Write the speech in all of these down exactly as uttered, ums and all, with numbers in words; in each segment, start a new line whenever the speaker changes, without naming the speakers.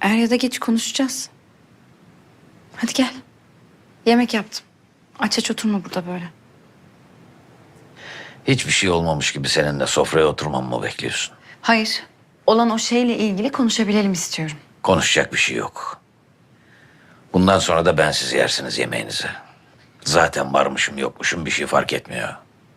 Er ya da geç konuşacağız. Hadi gel. Yemek yaptım. Aç aç oturma burada böyle.
Hiçbir şey olmamış gibi seninle sofraya oturmamı mı bekliyorsun?
Hayır. Olan o şeyle ilgili konuşabilelim istiyorum.
Konuşacak bir şey yok. Bundan sonra da bensiz yersiniz yemeğinizi. Zaten varmışım yokmuşum bir şey fark etmiyor.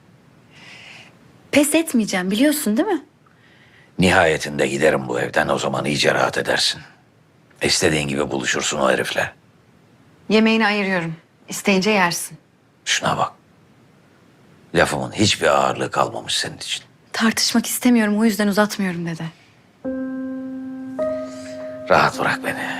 Pes etmeyeceğim biliyorsun değil mi?
Nihayetinde giderim bu evden, o zaman iyice rahat edersin. İstediğin gibi buluşursun o herifle.
Yemeğini ayırıyorum. İsteyince yersin.
Şuna bak. Lafımın hiçbir ağırlığı kalmamış senin için.
Tartışmak istemiyorum o yüzden uzatmıyorum dede.
Rahat bırak beni.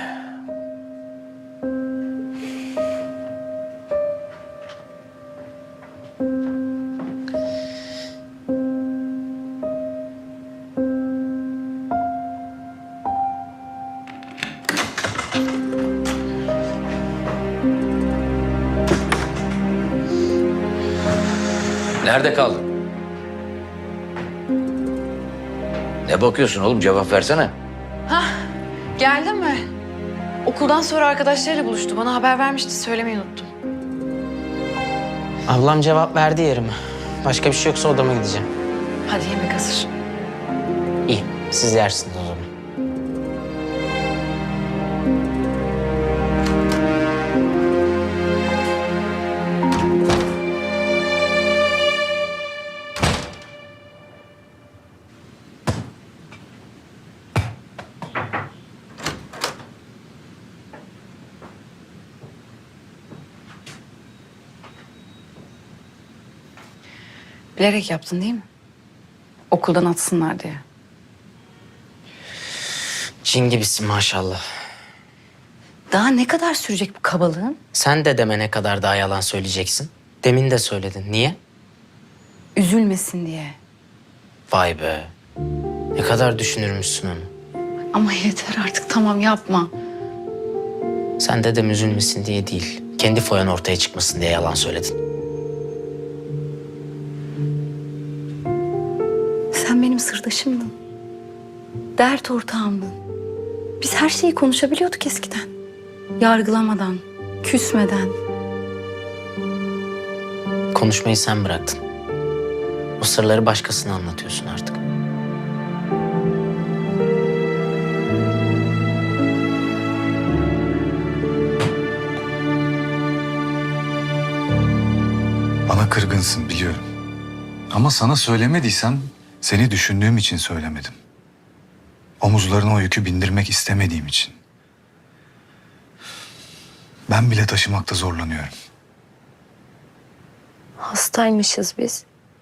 Nerede kaldın? Ne bakıyorsun oğlum, cevap versene.
Geldin mi? Okuldan sonra arkadaşlarıyla buluştu. Bana haber vermişti söylemeyi unuttum.
Ablam cevap verdi yerime. Başka bir şey yoksa odama gideceğim.
Hadi yemek hazır.
İyi, siz yersiniz o zaman.
Bilerek yaptın değil mi? Okuldan atsınlar diye.
Cin gibisin maşallah.
Daha ne kadar sürecek bu kabalığın?
Sen de deme ne kadar daha yalan söyleyeceksin. Demin de söyledin. Niye?
Üzülmesin diye.
Vay be. Ne kadar düşünürmüşsün onu.
Ama yeter artık tamam yapma.
Sen dedem üzülmesin diye değil, kendi foyan ortaya çıkmasın diye yalan söyledin.
Sen benim sırdaşımdın. Dert ortağımdın. Biz her şeyi konuşabiliyorduk eskiden. Yargılamadan, küsmeden.
Konuşmayı sen bıraktın. O sırları başkasına anlatıyorsun artık.
Bana kırgınsın biliyorum. Ama sana söylemediysem seni düşündüğüm için söylemedim. Omuzlarına o yükü bindirmek istemediğim için. Ben bile taşımakta zorlanıyorum.
Hastaymışız biz.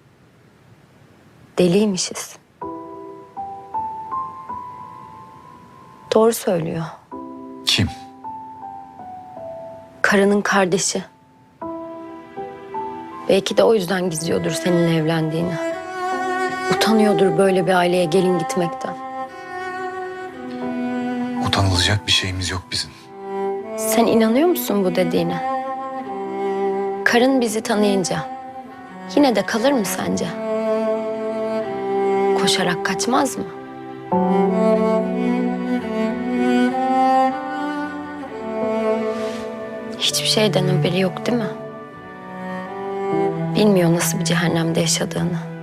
Deliymişiz. Doğru söylüyor.
Kim?
Karının kardeşi. Belki de o yüzden gizliyordur seninle evlendiğini. Utanıyordur böyle bir aileye gelin gitmekten.
Utanılacak bir şeyimiz yok bizim.
Sen inanıyor musun bu dediğine? Karın bizi tanıyınca yine de kalır mı sence? Koşarak kaçmaz mı? Hiçbir şeyden haberi yok değil mi? Bilmiyor nasıl bir cehennemde yaşadığını.